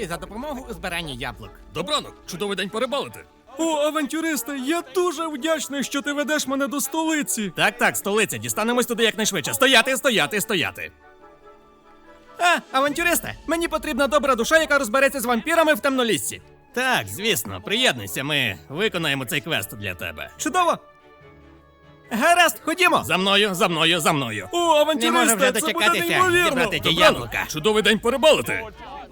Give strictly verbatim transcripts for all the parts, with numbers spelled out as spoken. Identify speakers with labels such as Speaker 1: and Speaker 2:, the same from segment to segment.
Speaker 1: Дякую за допомогу у збиранні яблук.
Speaker 2: Добранок, чудовий день порибалити.
Speaker 3: О, авантюристе, я дуже вдячний, що ти ведеш мене до столиці.
Speaker 1: Так, так, столиця, дістанемось туди якнайшвидше. Стояти, стояти, стояти. А, авантюристе, мені потрібна добра душа, яка розбереться з вампірами в темноліссі. Так, звісно, приєднуйся, ми виконаємо цей квест для тебе. Чудово! Гаразд, ходімо! За мною, за мною, за мною.
Speaker 3: О,
Speaker 1: Не можу
Speaker 3: авантюристе,
Speaker 1: вже
Speaker 3: це буде
Speaker 1: дочекатися
Speaker 3: неймовірно.
Speaker 1: зібрати ті
Speaker 2: Добранок,
Speaker 1: яблука.
Speaker 2: чудовий день порибалити.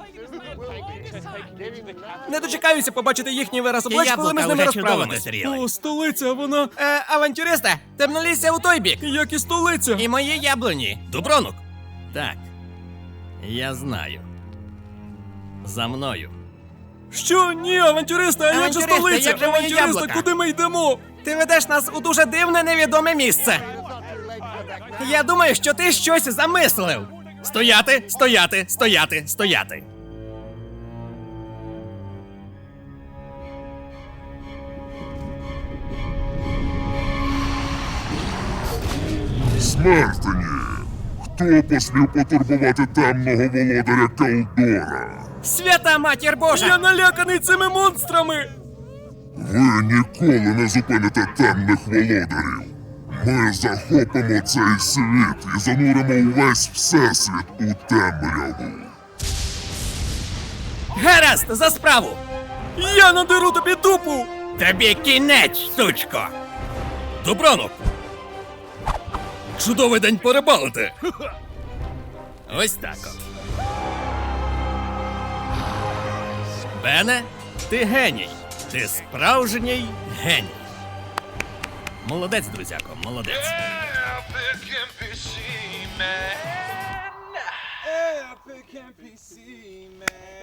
Speaker 1: Не дочекаюся побачити їхній вираз
Speaker 2: Ті
Speaker 1: облич, коли ми з ними
Speaker 2: яблука вже чудово
Speaker 1: розправимось.
Speaker 2: дозріли.
Speaker 3: О, столиця, вона
Speaker 1: Е, авантюристе, темнолісся у той бік.
Speaker 3: як і столиця.
Speaker 1: І мої яблуні.
Speaker 2: Добранок.
Speaker 1: Так, я знаю. За мною.
Speaker 3: Що? Ні, авантюристе, а як же
Speaker 1: Авантюристе,
Speaker 3: столиця?
Speaker 1: як же мої
Speaker 3: Авантюристе,
Speaker 1: яблука?
Speaker 3: куди ми йдемо?
Speaker 1: Ти ведеш нас у дуже дивне невідоме місце. Я думаю, що ти щось замислив. Стояти, стояти, стояти, стояти.
Speaker 4: Смертені! Хто посмів потурбувати темного володаря Келдора?
Speaker 1: Свята матір Божа!
Speaker 3: Я наляканий цими монстрами.
Speaker 4: Ви ніколи не зупините темних володарів. Ми захопимо цей світ і зануримо увесь всесвіт у темряву.
Speaker 1: Гаразд, за справу!
Speaker 3: Я надеру тобі дупу.
Speaker 1: Тобі кінець, сучко!
Speaker 2: Добранок. Чудовий день порибалити.
Speaker 1: Ось так от. Бене, ти геній. Ти справжній геній. Молодець, друзяко, молодець.
Speaker 5: Epic N P C man. Epic N P C man.